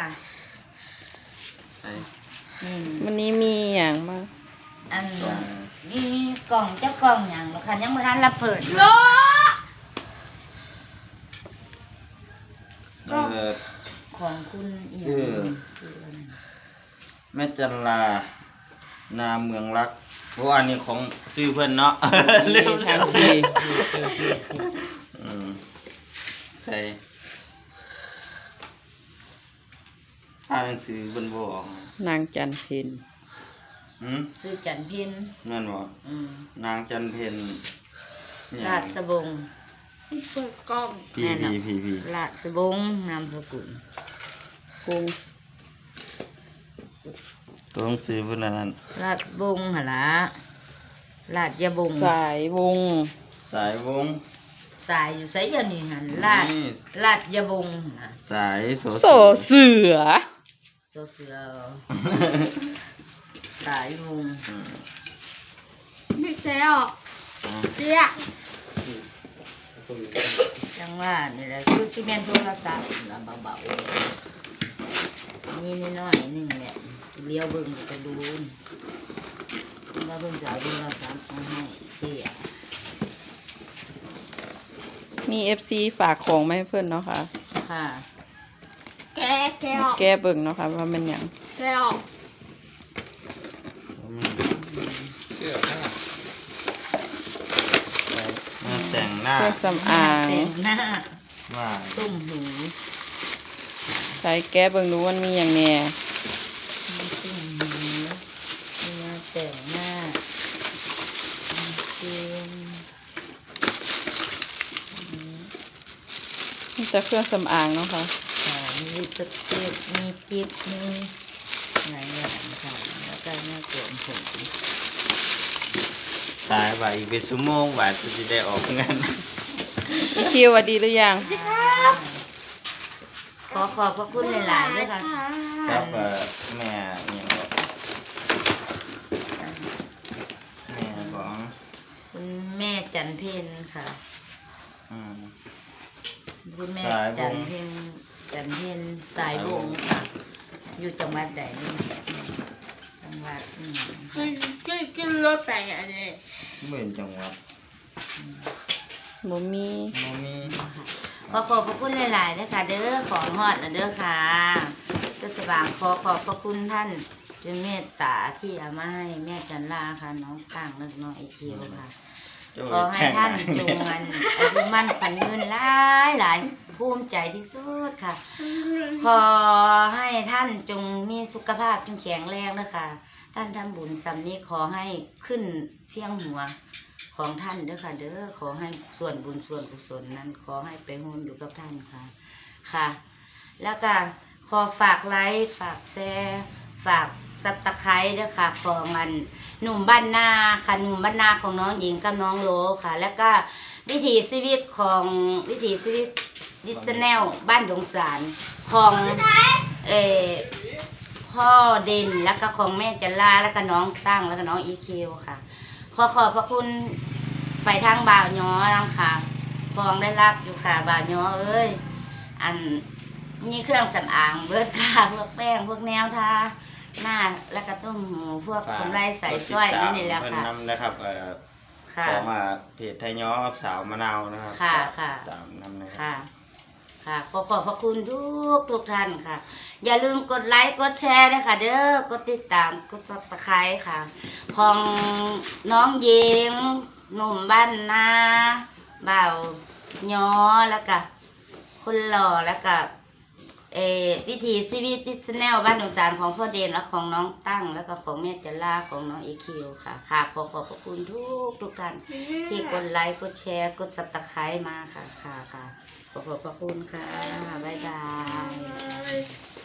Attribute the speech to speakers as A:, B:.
A: วันนี้มีอย่างมาก
B: อันมีกล่องเจ้ากล่องอย่างค่ะยังไม่ทันรับเปิดเลยของคุณ
C: ชื่อแม่จันลานาเมืองรักเพราะอันนี้ของชื่อเพื่อนเนาะเร็วทางดีใช่อ่านหนังสือบนบอก
A: นางจันเพ็ญ
B: ชื่อจันเพ็ญ
C: นั่นบ่นางจันเพ็ญ
B: ราชบง
A: เปิดกล้อง
C: พี่
B: ราชบงนามสกุล
A: กง
C: ตัวหนังสือเพื่อนนั้น
B: ราชบงหละราชยบง
A: สายวง
C: สาย
B: อยู่ไสอย่างนี้หันราชยบง
C: สายโส
A: เสือ
B: สายวง
A: ไม่ใช่หรอกเจี๊ย
B: จังว่านี่แหละคือซีเมนต์โทรศัพท์เบาๆนี่น้อยนึงแหละเลี้ยวเบิ่งกระดูนแล้วเบิ่งสายโทรศัพท์มาให้เตี้ย
A: มี FC ฝากของมาให้เพื่อนเนาะค่ะ
B: แ
A: กเบิ่งเนาะค่ะว่ามันหยัง
C: เสื้อแต่งหน้า
A: เครื่องสำอาง
C: ว่า
B: ตุ้มหู
A: ใช้แกเบิ่งดูมันมีอย่างแน่
B: ตุ้มหูมาแต่งหน้า
A: มีแต่เครื่องสำอางเนาะค่ะ
B: มีสเต็ปมีกิ๊บมีหลายอย่างค่ะแล้วก็หน้าโกนผม
C: ตายไปอีกเป็นชั่วโมงว่าจะได้ออกงาน
A: คิวว่าดีหรือยัง
B: ขอบพระคุณหลายๆด้วยค่ะ
C: ครับแม่ยังบอกแม่ของ
B: คุณแม่จันเพ็ญค่ะคุณแม่จันเพ็ญสายวงค่ะอยู่จังหวัดใดนี่จังหวัด
A: ขึ้นรถไปอะไร
C: เหมือนจังหวัด
A: บ่มี
B: ขอบพระคุณหลายๆด้วยค่ะเด้อของฮอดนะเด้อค่ะก็จะบางขอบพระคุณท่านจนเมตตาที่เอามาให้แม่จันลาค่ะน้องก้างเล็กน้อยคิวค่ะขอให้ท่านจงมันอายุมั่นขวัญยืนหลายภูมิใจที่สุดค่ะขอให้ท่านจงมีสุขภาพจงแข็งแรงนะคะท่านทำบุญสำนี้ขอให้ขึ้นเพียงหัวของท่านเด้อค่ะเด้อขอให้ส่วนบุญส่วนกุศลนั้นขอให้ไปร่วมอยู่กับท่านค่ะแล้วก็ขอฝากไลค์ฝากแชร์ฝากซับตะไคร้ด้วยค่ะของมันหนุ่มบ้านนาค่ะหนุ่มบ้านนาของน้องหญิงกับน้องโลค่ะแล้วก็วิถีชีวิตดิจิแนลบ้านดงสารของพ่อเด่นแล้วก็ของแม่จันลาแล้วก็น้องตั้งแล้วก็น้องอีคิวค่ะขอบพระคุณไปทางบ่าวย้อค่ะของได้รับอยู่ค่ะบ่าวย้อเอ้ยอันนี่เครื่องสำอางเบิร์ดค่ะพวกแป้งพวกแนวทาหน้าแล้วก็ต้มหูพวกกำไรใส่สร้อยนี่แหละค่ะ
C: นะครับขอมาเพจไทยย้อสาวมะนาวนะครับ
B: ค่ะ
C: ตามนำนะครับ
B: ค่ะขอบพระคุณทุกท่านค่ะอย่าลืมกดไลค์กดแชร์ด้วยค่ะเด้อกดติดตามกดซับสไครต์ค่ะของน้องหญิงหนุ่มบ้านนาบ่าวย้อแล้วก็คนหล่อแล้วก็วิถีชีวิตดิจิแนลบ้านดงสารของพ่อเดนและของน้องตั้งแล้วก็ของแม่จันลาของน้องอีคิวค่ะขอบพระคุณทุกท่านที่กดไลค์กดแชร์กดซับสไครต์มาค่ะขอบพระคุณค่ะบ๊ายบาย